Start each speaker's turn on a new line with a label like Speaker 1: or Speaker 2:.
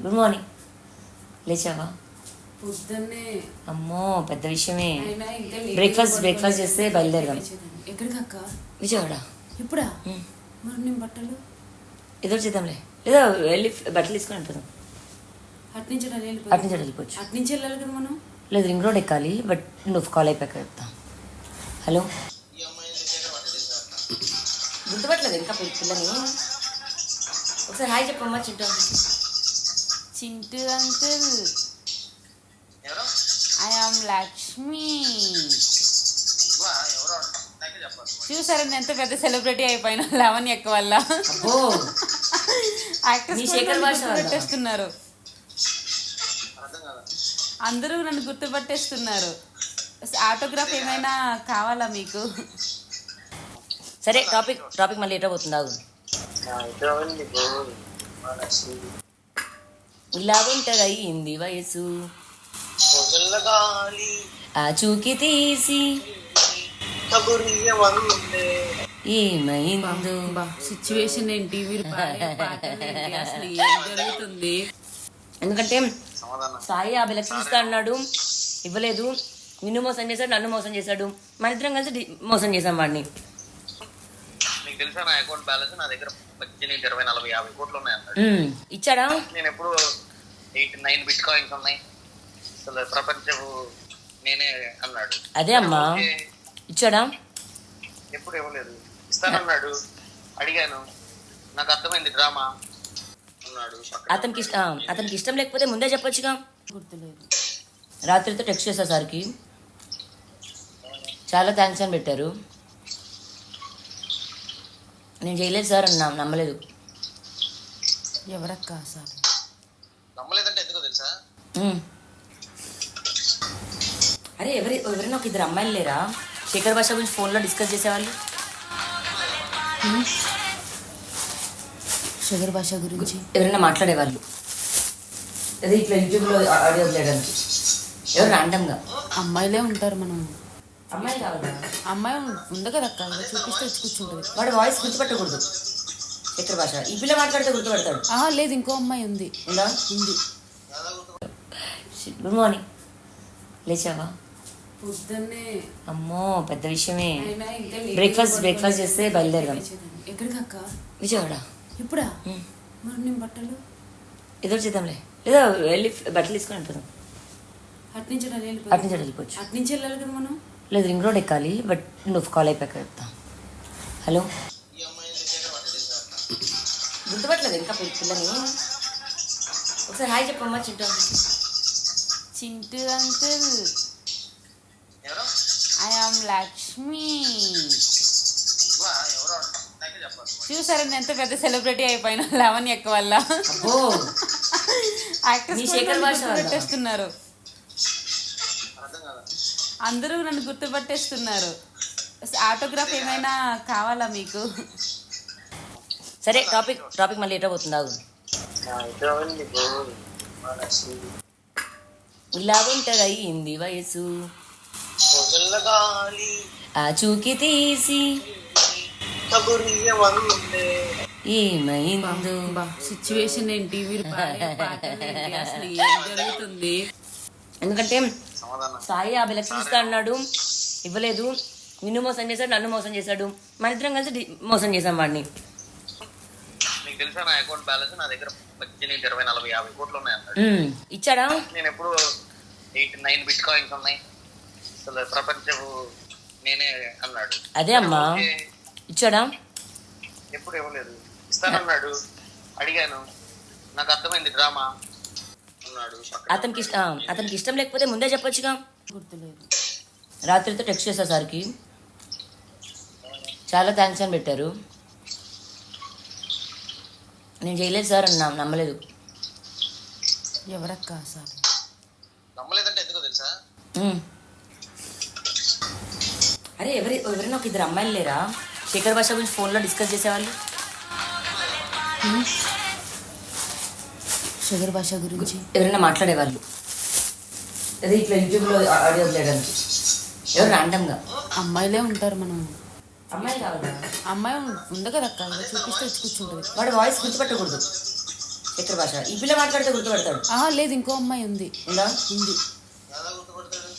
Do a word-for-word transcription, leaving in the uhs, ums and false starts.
Speaker 1: Good morning. లేచావా?
Speaker 2: పొద్దున్నే
Speaker 1: అమ్మో పెద్ద విషయమే.
Speaker 2: అయినా ఇంకా లేట్
Speaker 1: బ్రేక్ఫాస్ట్
Speaker 2: పడుకోలేదు.
Speaker 1: బ్రేక్ఫాస్ట్ చేస్తే బయలుదేరదాం.
Speaker 2: ఎక్కడికి అక్క?
Speaker 1: విజయవాడ.
Speaker 2: ఇప్పుడా?
Speaker 1: ఉమ్.
Speaker 2: మరి నేను బట్టలు
Speaker 1: ఏదో చేద్దాంలే, లేదా వెళ్ళి బట్టలు తీసుకొని వెళ్ళిపోదాం.
Speaker 2: అటు నుంచి అలా వెళ్ళిపోదాం.
Speaker 1: అటు నుంచి అటు వెళ్ళిపోవచ్చు.
Speaker 2: అటు నుంచి వెళ్ళాలి కదా మనం.
Speaker 1: లేదు రింగ్ రోడ్ ఎక్కాలి, బట్ నువ్వు కాల్ అయిపోయాక చెప్తా. హలో, గుర్తుపట్టలేదు ఇంకా పిల్ల- పిల్లని. ఒకసారి హాయ్ చెప్పమ్మా. చింటూ
Speaker 2: చింటూ అంకుల్,
Speaker 3: ఎవరు?
Speaker 2: I am Lakshmi.
Speaker 3: వా, ఎవరో నాకే చెప్పాలి.
Speaker 2: చూసారా నేను ఎంత పెద్ద సెలబ్రిటీ అయిపోయినా లెవెన్ ఎక్క వల్ల.
Speaker 1: అబ్బో నీ శేఖర్ భాష వల్ల.
Speaker 2: గుర్తుపట్టేస్తున్నారు
Speaker 3: అర్థం కాదా?
Speaker 2: అందరూ నన్ను గుర్తుపట్టేస్తున్నారు. ఆటోగ్రాఫ్ ఏమైనా కావాలా మీకు?
Speaker 1: సరే టాపిక్ టాపిక్ మళ్ళీ ఎటో పోతుంది. ఆగు. ఇలా ఉంటది అయ్యింది వయసు,
Speaker 3: రోజుల గాలి
Speaker 1: ఆచూకి తీసి
Speaker 3: కబురియమందే.
Speaker 1: ఏమైందో.
Speaker 2: సిచ్యువేషన్ ఏంటి, మీరు పాడే పాటలు ఏంటి, అసలు ఏం జరుగుతుంది?
Speaker 1: ఎందుకంటే
Speaker 3: సమాధానం
Speaker 1: సాయి యాభై లక్షలు ఇస్తా అన్నాడు, ఇవ్వలేదు. నిన్ను మోసం చేశాడు, నన్ను మోసం చేశాడు, మన ఇద్దరం కలిసి డి- మోసం చేశాం వాడిని.
Speaker 3: నీకు తెలుసా నా అకౌంట్ బ్యాలెన్స్ నా దగ్గర పద్దెనిమిది ఇరవై నలభై యాభై కోట్లు ఉన్నాయి అన్నాడు.
Speaker 1: ఉమ్, ఇచ్చాడా?
Speaker 3: నేను ఎప్పుడు ఎయిట్ నైన్ బిట్ కాయిన్స్ ఉన్నాయి, అసలు ప్రపంచం నేనే అన్నాడు.
Speaker 1: అదే అమ్మా.
Speaker 3: ఓకే,
Speaker 1: ఇచ్చాడా?
Speaker 3: ఎప్పుడు ఇవ్వలేదు. ఇస్తానన్నాడు, అడిగాను, నాకు అర్థమైంది డ్రామా అన్నాడు. పక్కన
Speaker 1: అతనికి ఇష్ట- ఆ, అతనికి ఇష్టం లేకపోతే ముందే చెప్పొచ్చుగా.
Speaker 2: గుర్తులేదు.
Speaker 1: రాత్రితో టెక్స్ట్ చేశా సార్కి, చాలా థ్యాంక్స్ అని పెట్టారు. నేను చేయలేదు సార్ అన్నా, నమ్మలేదు.
Speaker 2: ఎవరక్క సార్?
Speaker 3: నమ్మలేదంటే ఎందుకో తెలుసా?
Speaker 1: ఉమ్. అరే ఎవరి ఎవరైనా ఒక ఇద్దరు అమ్మాయిలు లేరా శేఖర్ భాష గురించి ఫోన్లో డిస్కస్ చేసేవాళ్ళు?
Speaker 2: షుగర్ భాష గురించి
Speaker 1: ఎవరైనా మాట్లాడేవాళ్ళు, అదే ఇట్లా యూట్యూబ్లో ఆడియో చేయడానికి. ఎవరు ర్యాండమ్గా
Speaker 2: అమ్మాయిలే ఉంటారు. మనం
Speaker 1: అమ్మాయి కావాలా?
Speaker 2: అమ్మాయి ఉంది కదా అక్క, ఇలా చూపిస్తే వచ్చి కూర్చుంటుంది.
Speaker 1: వాడు వాయిస్ గుర్తుపట్టకూడదు. శేఖర్ భాష ఈ పిల్ల మాట్లాడితే గుర్తుపడతాడు.
Speaker 2: ఆహా లేదు, ఇంకో అమ్మాయి ఉంది.
Speaker 1: ఉందా?
Speaker 2: ఉంది.
Speaker 1: Good morning. లేచావా?
Speaker 2: పొద్దున్నే
Speaker 1: అమ్మో పెద్ద విషయమే.
Speaker 2: అయినా ఇంకా లేట్
Speaker 1: బ్రేక్ఫాస్ట్
Speaker 2: పడుకోలేదు.
Speaker 1: బ్రేక్ఫాస్ట్ చేస్తే బయలుదేరదాం.
Speaker 2: ఎక్కడికి అక్క?
Speaker 1: విజయవాడ.
Speaker 2: ఇప్పుడా?
Speaker 1: ఉమ్.
Speaker 2: మరి నేను బట్టలు
Speaker 1: ఏదో చేద్దాంలే, లేదా వెళ్ళి బట్టలు తీసుకొని వెళ్ళిపోదాం.
Speaker 2: అటు నుంచి అలా
Speaker 1: అటు
Speaker 2: వెళ్ళిపోదాం.
Speaker 1: నుంచి అటు వెళ్ళిపోవచ్చు.
Speaker 2: అటు నుంచి వెళ్ళాలి కదా మనం.
Speaker 1: లేదు రింగ్ రోడ్ ఎక్కాలి, బట్ నువ్వు కాల్ అయిపోయాక చెప్తా. హలో,
Speaker 3: ఈ అమ్మాయిని దగ్గర పట్టేసా.
Speaker 1: గుర్తుపట్టలేదు ఇంకా పిల్ల- పిల్లని. ఒకసారి హాయ్ చెప్పమ్మా. చింటూ
Speaker 2: చింటూ అంకుల్,
Speaker 3: ఎవరు?
Speaker 2: I am Lakshmi.
Speaker 3: వా, ఎవరో నాకే చెప్పాలి.
Speaker 2: చూసారా నేను ఎంత పెద్ద సెలబ్రిటీ అయిపోయినా లెవెన్ ఎక్క వల్ల.
Speaker 1: అబ్బో నీ శేఖర్ భాష వల్ల.
Speaker 2: గుర్తుపట్టేస్తున్నారు
Speaker 3: అర్థం కాదా?
Speaker 2: అందరూ నన్ను గుర్తుపట్టేస్తున్నారు. ఆటోగ్రాఫ్ ఏమైనా కావాలా మీకు?
Speaker 1: సరే టాపిక్ టాపిక్ మళ్ళీ ఎటో పోతుంది. ఆగు. ఇలా ఉంటది అయ్యింది వయసు,
Speaker 3: రోజుల గాలి
Speaker 1: ఆచూకి తీసి
Speaker 3: కబురియమందే.
Speaker 1: ఏమైందో.
Speaker 2: సిచ్యువేషన్ ఏంటి, మీరు పాడే పాటలు ఏంటి, అసలు ఏం జరుగుతుంది?
Speaker 1: ఎందుకంటే
Speaker 3: సమాధానం
Speaker 1: సాయి యాభై లక్షలు ఇస్తా అన్నాడు, ఇవ్వలేదు. నిన్ను మోసం చేశాడు, నన్ను మోసం చేశాడు, మన ఇద్దరం కలిసి డి- మోసం చేశాం వాడిని.
Speaker 3: నీకు తెలుసా నా అకౌంట్ బ్యాలెన్స్ నా దగ్గర పద్దెనిమిది ఇరవై నలభై యాభై కోట్లు ఉన్నాయి అన్నాడు.
Speaker 1: ఉమ్, ఇచ్చాడా?
Speaker 3: నేను ఎప్పుడు ఎయిట్ నైన్ బిట్ కాయిన్స్ ఉన్నాయి, అసలు ప్రపంచం నేనే అన్నాడు.
Speaker 1: అదే అమ్మా.
Speaker 3: ఓకే,
Speaker 1: ఇచ్చాడా?
Speaker 3: ఎప్పుడు ఇవ్వలేదు. ఇస్తానన్నాడు, అడిగాను, నాకు అర్థమైంది డ్రామా అన్నాడు. పక్కన
Speaker 1: అతనికి ఇష్ట- ఆ, అతనికి ఇష్టం లేకపోతే ముందే చెప్పొచ్చుగా.
Speaker 2: గుర్తులేదు.
Speaker 1: రాత్రితో టెక్స్ట్ చేశా సార్కి, చాలా థ్యాంక్స్ అని పెట్టారు. నేను చేయలేదు సార్ అన్నా, నమ్మలేదు.
Speaker 2: ఎవరక్క సార్?
Speaker 3: నమ్మలేదంటే ఎందుకో తెలుసా?
Speaker 1: ఉమ్. అరే ఎవరి ఎవరైనా ఒక ఇద్దరు అమ్మాయిలు లేరా శేఖర్ భాష గురించి ఫోన్లో డిస్కస్ చేసేవాళ్ళు?
Speaker 2: షుగర్ భాష గురించి
Speaker 1: ఎవరైనా మాట్లాడేవాళ్ళు, అదే ఇట్లా యూట్యూబ్లో ఆడియో చేయడానికి. ఎవరు ర్యాండమ్గా.
Speaker 2: అమ్మాయిలే ఉంటారు. మనం
Speaker 1: అమ్మాయి కావాలా?
Speaker 2: అమ్మాయి ఉంది కదా అక్క, ఇలా చూపిస్తే వచ్చి కూర్చుంటుంది.
Speaker 1: వాడు వాయిస్ గుర్తుపట్టకూడదు. చక్కెర భాష. ఈ పిల్ల మాట్లాడితే గుర్తుపడతాడు.
Speaker 2: ఆహా లేదు, ఇంకో అమ్మాయి ఉంది
Speaker 1: ఉందా?
Speaker 2: ఉంది
Speaker 3: ఎలా గుర్తుపడతాడు?